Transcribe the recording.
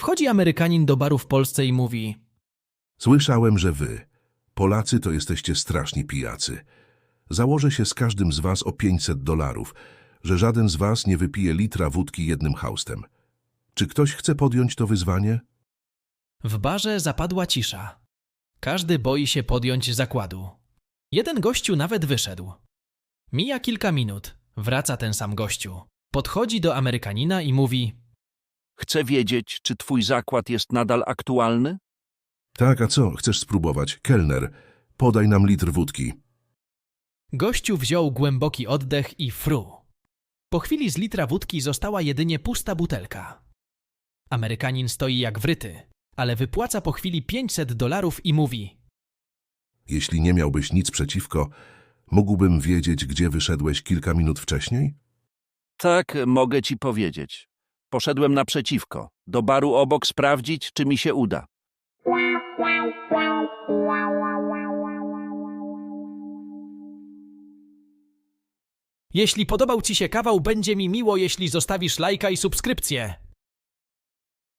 Wchodzi Amerykanin do baru w Polsce i mówi: Słyszałem, że wy, Polacy, to jesteście straszni pijacy. Założę się z każdym z was o $500, że żaden z was nie wypije litra wódki jednym haustem. Czy ktoś chce podjąć to wyzwanie? W barze zapadła cisza. Każdy boi się podjąć zakładu. Jeden gościu nawet wyszedł. Mija kilka minut. Wraca ten sam gościu. Podchodzi do Amerykanina i mówi: Chcę wiedzieć, czy twój zakład jest nadal aktualny? Tak, a co? Chcesz spróbować? Kelner, podaj nam litr wódki. Gościu wziął głęboki oddech i fru. Po chwili z litra wódki została jedynie pusta butelka. Amerykanin stoi jak wryty, ale wypłaca po chwili $500 i mówi: Jeśli nie miałbyś nic przeciwko, mógłbym wiedzieć, gdzie wyszedłeś kilka minut wcześniej? Tak, mogę ci powiedzieć. Poszedłem naprzeciwko, do baru obok sprawdzić, czy mi się uda. Jeśli podobał Ci się kawał, będzie mi miło, jeśli zostawisz lajka i subskrypcję.